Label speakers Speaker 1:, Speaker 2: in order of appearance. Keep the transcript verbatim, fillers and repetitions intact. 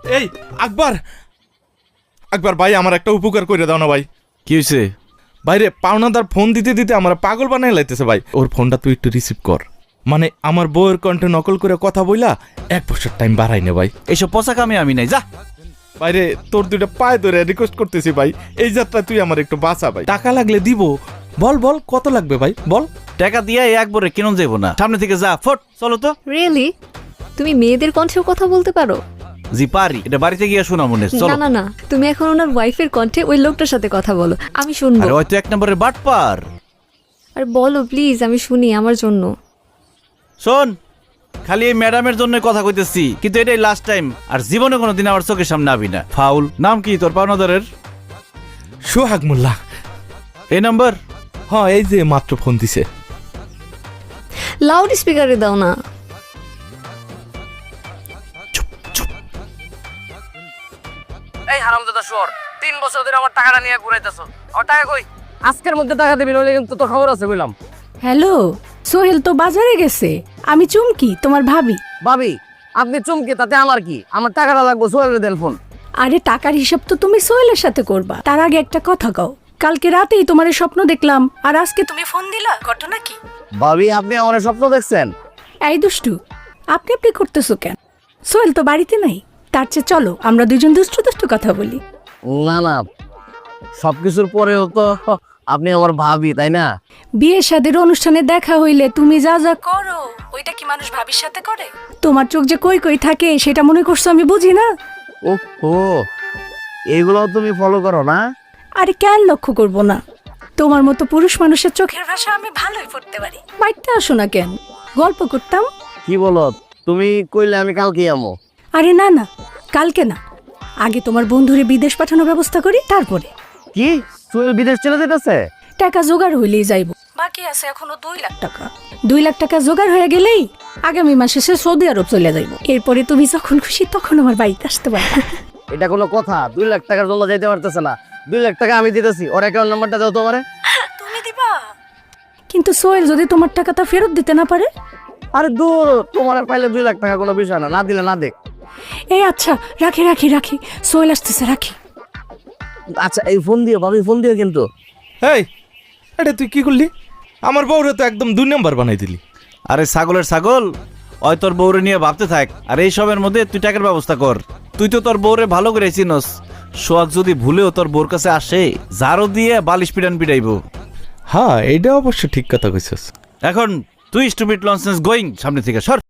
Speaker 1: এই আকবর আকবর ভাই আমার একটা উপকার করে দাও না ভাই।
Speaker 2: কি হয়েছে?
Speaker 1: বাইরে পাওনাদার ফোন দিতে দিতে আমার পাগল বানাই লাইতেছে ভাই। ওর ফোনটা তুই একটু রিসিভ কর। মানে আমার বউয়ের কণ্ঠে নকল করে কথা বইলা এক বছর টাইম বাড়াই নে ভাই।
Speaker 2: এইসব পচা কামে আমি নাই, যা।
Speaker 1: বাইরে তোর দুইটা পায়ে ধরে রিকোয়েস্ট করতেছি ভাই, এই যাত্রা তুই আমার একটু বাঁচা ভাই। টাকা লাগলে দিব। বল বল কত লাগবে ভাই বল।
Speaker 2: টাকা দিয়ে একবারে কেন যাবো না, সামনে থেকে যা ফট। চলো তো।
Speaker 3: রিয়েলি তুমি মেয়েদের কণ্ঠেও কথা বলতে পারো?
Speaker 2: জি পারি, এটা বাড়িতে গিয়ে শোনা মনে।
Speaker 3: না
Speaker 2: চলো।
Speaker 3: না না, তুমি এখন ওনার ওয়াইফের কণ্ঠে ওই লোকটার সাথে কথা বলো, আমি শুনবো।
Speaker 2: আরে হয়তো এক নম্বরের বাটপার।
Speaker 3: আর বলো প্লিজ, আমি শুনি আমার জন্য।
Speaker 2: শোন, খালি এই ম্যাডামের জন্য কথা কইতেছি, কিন্তু এটাই লাস্ট টাইম। আর জীবনে কোনোদিন আমার চোখের সামনে আবি না। ফাউল। নাম কি তোর পাওনাদারের?
Speaker 1: সোহাগ মোল্লা।
Speaker 2: এই নাম্বার?
Speaker 1: হ্যাঁ, এই যে মাত্র ফোন দিছে।
Speaker 3: লাউড স্পিকারে দাও না।
Speaker 4: এই হারামজাদা শুয়োর, তিন বছর ধরে আমার টাকাটা নিয়ে ঘুরাইতেছ। আমার টাকা কই? আজকের মধ্যে টাকা দিবি, নইলে কিন্তু তোর খবর আছে বললাম।
Speaker 5: হ্যালো, সোহেল তো বাজারে গেছে। আমি চুমকি, তোমার ভাবি।
Speaker 4: ভাবি, আপনি চমকে তাতে আমার কি? আমার টাকাটা লাগবো, সোহেলের দেন ফোন।
Speaker 5: আরে টাকার হিসাব তো তুমি সোহেলের সাথে করবা। তার আগে একটা কথা কও, কালকে রাতেই তোমার স্বপ্ন দেখলাম, আর আজকে তুমি ফোন দিলা, ঘটনা কি?
Speaker 4: ভাবি, আপনি আমার স্বপ্ন দেখছেন?
Speaker 5: এই দুষ্টু, আপনি আপনি করতেছো কেন? সোহেল তো বাড়িতে নাই। তার চেয়ে চলো আমরা দুজন দুষ্টু দুষ্টু কথা বলি।
Speaker 4: না না, সবকিছুর পরেও তো আপনি আমার ভাবি, তাই না?
Speaker 5: বিয়ে শাদীর অনুষ্ঠানে দেখা হইলে তুমি যা যা করো, ওইটা কি মানুষ ভাবির সাথে করে? তোমার চোখ যে কই কই থাকে সেটা মনে করছো আমি বুঝি না?
Speaker 4: ও ও, এইগুলো তুমি ফলো করো না?
Speaker 5: আরে কেন লক্ষ্য করব না? তোমার মতো পুরুষ মানুষের চোখের ভাষা আমি ভালোই পড়তে পারি। বাড়িতে আসো না কেন, গল্প করতাম।
Speaker 4: কি বলো তুমি? কইলে আমি কালকে আমো।
Speaker 5: আরে না না, কালকে না, আগে তোমার বন্ধুরে বিদেশ পাঠানোর ব্যবস্থা করি, তারপরে।
Speaker 4: কি সোহেল বিদেশ চলে যেতেছে?
Speaker 5: টাকা জোগাড় হইলেই যাইব। বাকি আছে এখনো দুই লাখ টাকা। দুই লাখ টাকা জোগাড় হয়ে গেলেই আগামী মাসে সে সৌদি আরব চলে যাইব। এরপরে তুমি যখন খুশি তখন আমার বাড়িতে আসতে পারবে।
Speaker 4: এটা কোনো কথা? দুই লাখ টাকার জন্য যেতে পারতেছে না। দুই লাখ টাকা আমি দিতেছি, ওর অ্যাকাউন্ট নাম্বারটা দাও তোমারে।
Speaker 5: তুমি দিবা? কিন্তু সোহেল যদি তোমার টাকাটা ফেরত দিতে না পারে?
Speaker 4: আরে দূর, তোমার আর পাইলে দুই লাখ টাকা কোনো বিষয় না, না দিলে না দেখ।
Speaker 5: এই আচ্ছা, রাখি রাখি রাখি, সোহেল আসতেছে, রাখি।
Speaker 4: আচ্ছা, এই ফোন দিও ভাবি, ফোন দিও কিন্তু।
Speaker 1: এই এটা তুই কি করলি? আমার বউরে তো একদম দুই নাম্বার বানাই দিলি।
Speaker 2: আরে ছাগলের ছাগল, ওই তোর বউরে নিয়ে ভাবতে থাক, আর এই সবের মধ্যে তুই টাকার ব্যবস্থা কর। তুই তো তোর বউরে ভালো করে চিনস। সোহাগ যদি ভুলেও তোর বউর কাছে আসে, জারো দিয়ে বালিশ পিটান পিটাইব।
Speaker 1: হ্যাঁ, এইটা অবশ্য ঠিক কথা কইছস।
Speaker 2: এখন তুই স্টুপিড লনসেন্স গোয়িং, সামনে থেকে সর।